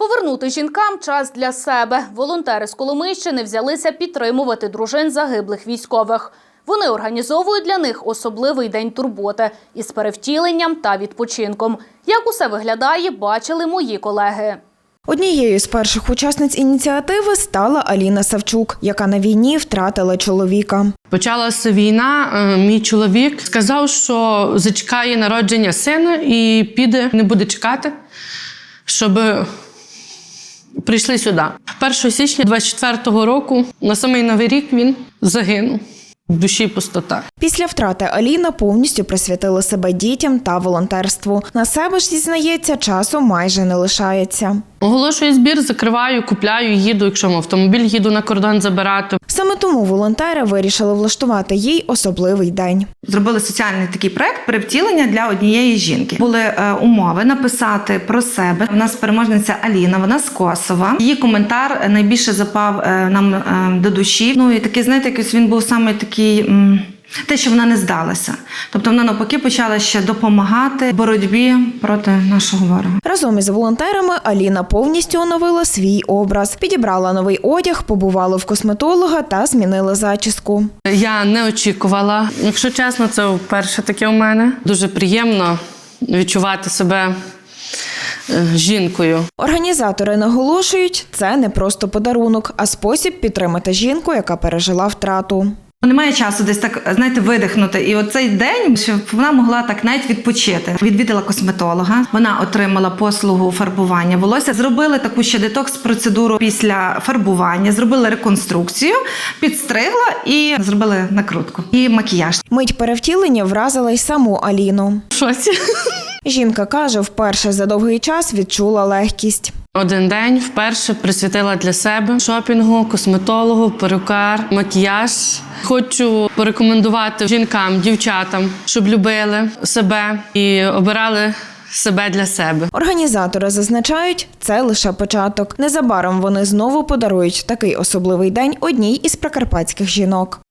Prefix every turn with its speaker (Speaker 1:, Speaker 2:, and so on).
Speaker 1: Повернути жінкам час для себе. Волонтери з Коломийщини взялися підтримувати дружин загиблих військових. Вони організовують для них особливий день турботи із перевтіленням та відпочинком. Як усе виглядає, бачили мої колеги.
Speaker 2: Однією з перших учасниць ініціативи стала Аліна Савчук, яка на війні втратила чоловіка.
Speaker 3: Почалася війна, мій чоловік сказав, що зачекає народження сина і піде, не буде чекати, щоб прийшли сюди. 1 січня 24-го року, на самий Новий рік, він загинув. В душі пустота.
Speaker 2: Після втрати Аліна повністю присвятила себе дітям та волонтерству. На себе ж, зізнається, часу майже не лишається.
Speaker 3: Оголошую збір, закриваю, купляю, їду, якщо в автомобіль, їду на кордон забирати.
Speaker 2: Саме тому волонтери вирішили влаштувати їй особливий день.
Speaker 4: Зробили соціальний такий проект «Перевтілення» для однієї жінки. Були умови написати про себе. У нас переможниця Аліна, вона з Косова. Її коментар найбільше запав нам до душі. Ну і такий, знаєте, якийсь він був саме такий, те, що вона не здалася. Тобто вона навпаки почала ще допомагати в боротьбі проти нашого ворога.
Speaker 2: Разом із волонтерами Аліна повністю оновила свій образ. Підібрала новий одяг, побувала в косметолога та змінила зачіску.
Speaker 3: Я не очікувала. Якщо чесно, це вперше таке у мене. Дуже приємно відчувати себе жінкою.
Speaker 2: Організатори наголошують, це не просто подарунок, а спосіб підтримати жінку, яка пережила втрату.
Speaker 4: Немає часу десь так, знаєте, видихнути. І оцей день, щоб вона могла так навіть відпочити. Відвідала косметолога, вона отримала послугу фарбування волосся. Зробили таку ще детокс-процедуру після фарбування, зробили реконструкцію, підстригла і зробили накрутку. І макіяж.
Speaker 2: Мить перевтілення вразила й саму Аліну.
Speaker 3: В шоці.
Speaker 2: Жінка каже, вперше за довгий час відчула легкість.
Speaker 3: Один день вперше присвятила для себе шопінгу, косметологу, перукар, макіяж. Хочу порекомендувати жінкам, дівчатам, щоб любили себе і обирали себе для себе.
Speaker 2: Організатори зазначають, це лише початок. Незабаром вони знову подарують такий особливий день одній із прикарпатських жінок.